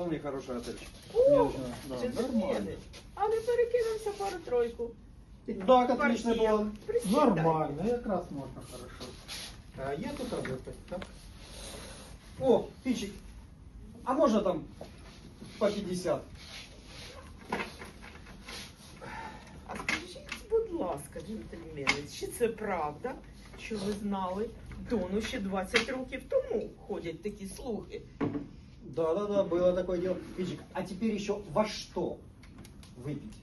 вполне хороший отель. О, Да, джентльмени. А не перекинемося пару-тройку. Так, отлично было. Присідай. Нормально, якраз можна хорошо. А я тут работать, так? О, Пичик, а можно там по 50? А скажіть, будь ласка, джентльмени, чи це правда, що ви знали, Дону ще 20 років тому ходять такі слухи? Да, было такое дело. Пичик, а теперь еще во что выпить?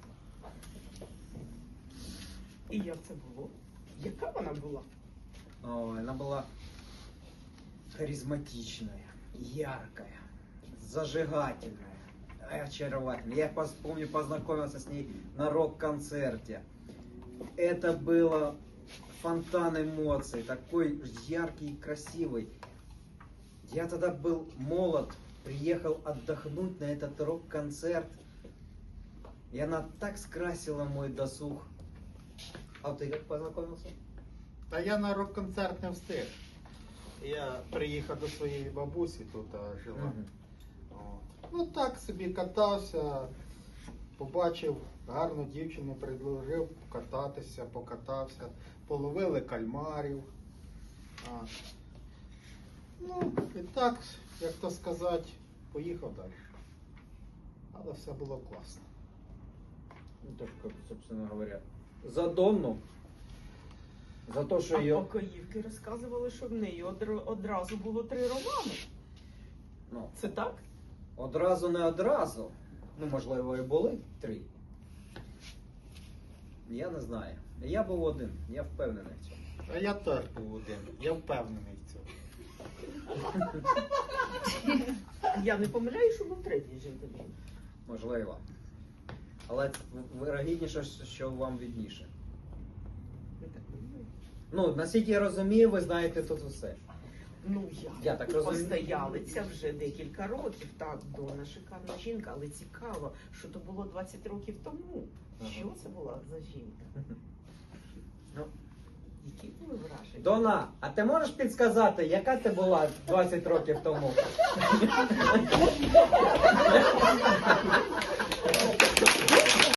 І як це було? Яка вона була? Ой, она была харизматичная, яркая, зажигательная, очаровательная. Я помню, познакомился с ней на рок-концерте. Это было фонтан эмоций, такой яркий и красивый. Я тогда был молод, приехал отдохнуть на этот рок-концерт. И она так скрасила мой досуг. А ты как познакомился? Та я на рок-концерт не встиг. Я приїхав до своєї бабусі, тут жила. Мгм. От. Ну так собі катався, побачив гарну дівчину, предложив покатався, половили кальмарів. А. Ну, і так, як то сказати, поїхав далі. Але все було класно. Ну, так, как, собственно говоря, за Донну, за то, що А її... покоївки розказували, що в неї одразу було 3 романи. Ну, Це так? одразу не одразу. Ну, можливо, і були 3. Я не знаю. Я був один, я впевнений в цьому. А я теж був один, я впевнений в цьому. Я не помиляю, що був 3-й джентльмен. Можливо. Але вирогідніше, що вам відніше. Ви так думаєте? Ну, наскільки я розумію, ви знаєте тут усе. Ну, Я так розумію. постоялиця вже декілька років. Так, Дона шикарна жінка, але цікаво, що то було 20 років тому. Ага. Що це була за жінка? Ну, Які були враження? Дона, а ти можеш підсказати, яка ти була 20 років тому?